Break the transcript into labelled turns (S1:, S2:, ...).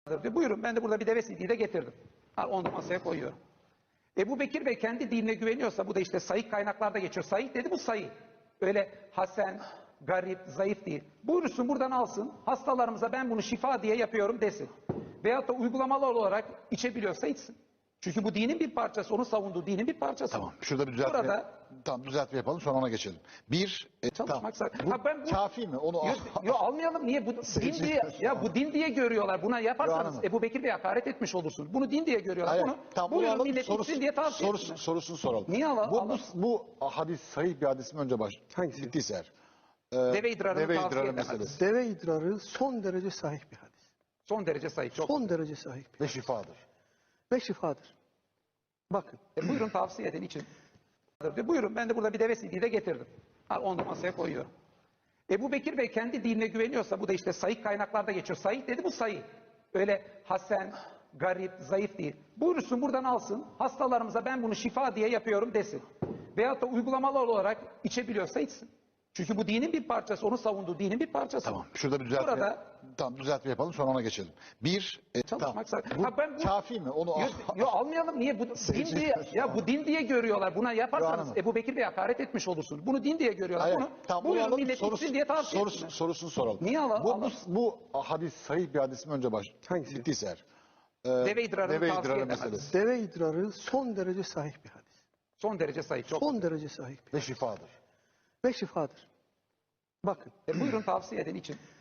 S1: diyor. Buyurun, ben de burada bir deve sidiği de getirdim. Onu da masaya koyuyorum. Ebu Bekir Bey kendi dinine güveniyorsa, bu da işte sahih kaynaklarda geçiyor. Sahih dedi, bu sahih. Öyle hasen, garip, zayıf değil. Buyursun buradan alsın, hastalarımıza ben bunu şifa diye yapıyorum desin. Veyahut da uygulamalı olarak içebiliyorsa içsin. Çünkü bu dinin bir parçası, onu savunduğu dinin bir parçası.
S2: Tamam. Şurada bir düzeltme.
S1: Burada
S2: Tamam, düzeltme yapalım, sonra ona geçelim.
S1: çalışmak
S2: Tamam.
S1: zor.
S2: Bu
S1: Ha, ben bu
S2: kafi mi? Onu
S1: almayalım. Niye? Bu din diye, ya bu din diye görüyorlar. Buna yaparsanız
S2: Hanım.
S1: Ebu Bekir Bey'e hakaret etmiş olursunuz. Bunu din diye görüyorlar.
S2: Hayır,
S1: Bunu
S2: tamam,
S1: buyurun
S2: alalım,
S1: millet içsin diye tavsiye etsinler.
S2: sorusunu soralım.
S1: Niye
S2: Bu hadis sahih bir hadis mi, önce
S3: Hangisi?
S2: bittiyse eğer.
S1: Deve idrarını
S2: Deve
S1: tavsiye
S2: idrarı
S1: eden
S2: meselesi.
S1: hadis.
S3: Deve idrarı son derece sahih bir hadis.
S1: Son derece sahih. Çok.
S3: Son derece sahih bir
S2: Ve
S3: hadis.
S2: şifadır.
S3: Ve şifadır. Bakın.
S1: Buyurun tavsiye edin için. Buyurun, ben de burada bir deve sidiği de getirdim. Onu da masaya koyuyorum. Ebu Bekir Bey kendi dinine güveniyorsa, bu da işte sahih kaynaklarda geçiyor. Sahih dedi, bu sahih. Öyle hasen, garip, zayıf değil. Buyursun buradan alsın, hastalarımıza ben bunu şifa diye yapıyorum desin. Veyahut da uygulamalı olarak içebiliyorsa içsin. Çünkü bu dinin bir parçası, onu savunduğu dinin bir parçası.
S2: Tamam. Şurada bir düzeltme.
S1: Burada
S2: Tamam, düzeltme yapalım, sonra ona geçelim.
S1: çalışmak zor.
S2: Bu
S1: Ha, ben bu
S2: kafi mi? Onu
S1: almayalım. Niye? Bu din diye, ya bu din diye görüyorlar. Buna yaparsanız
S2: Hanım.
S1: Ebu Bekir Bey'e hakaret etmiş olursunuz. Bunu din diye görüyorlar.
S2: Hayır,
S1: Bunu
S2: tamam,
S1: buyurun
S2: alalım,
S1: millet içsin diye tavsiye etsinler.
S2: sorusunu soralım.
S1: Niye alalım?
S2: Bu hadis sahih bir hadis mi, önce
S3: Hangisi?
S2: bittiyse eğer.
S1: Deve idrarını
S2: Deve
S1: tavsiye
S2: idrarı
S1: eden hadis.
S2: meselesi.
S3: Deve idrarı son derece sahih bir hadis.
S1: Son derece sahih. Çok.
S3: Son derece sahih bir
S2: Ve
S3: hadis.
S2: şifadır.
S3: Ve şifadır. Bakın.
S1: Buyurun tavsiye edin için.